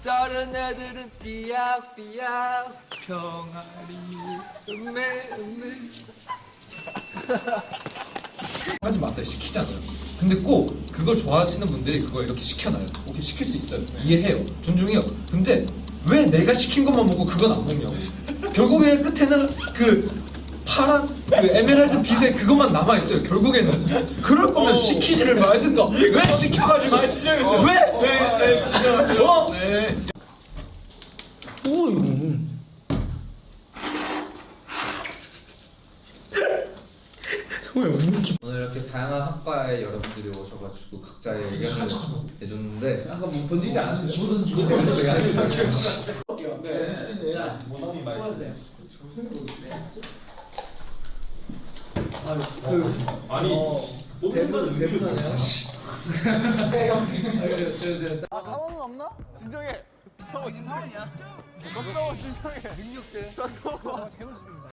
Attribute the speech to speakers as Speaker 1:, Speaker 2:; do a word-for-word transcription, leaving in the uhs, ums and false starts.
Speaker 1: 다른 애들은 삐약삐약 병아리 음메 음메
Speaker 2: 하지 마세요. 시키잖아요. 근데 꼭 그걸 좋아하시는 분들이 그걸 이렇게 시켜놔요. 오케이, 시킬 수 있어요. 이해해요. 존중해요. 근데 왜 내가 시킨 것만 먹고 그건 안 먹냐고. 결국에 끝에는 그 파란 그 에메랄드 빛에 그것만 남아 있어요. 결국에는 그럴 거면 시키지를 말든가. 왜 시켜가지고?
Speaker 3: 아 진정했어요.
Speaker 2: 왜?
Speaker 3: 네, 네, 진정했어요.
Speaker 2: 어?
Speaker 3: 네.
Speaker 2: 뭐 이거? 오늘 이렇게 다양한 학과에 여러분들이 오셔가지고 각자의 의견을 내줬는데
Speaker 3: 아까 뭐 던지지 않았어요? 저 던지고
Speaker 2: 제가 제가
Speaker 3: 네. 자, 모성이 말.
Speaker 4: 그
Speaker 3: 아니,
Speaker 4: 대본 대본하네요.
Speaker 5: 아 상황은 없나? 진정해. 상황 진정이야. 넌 진정해. 능력대.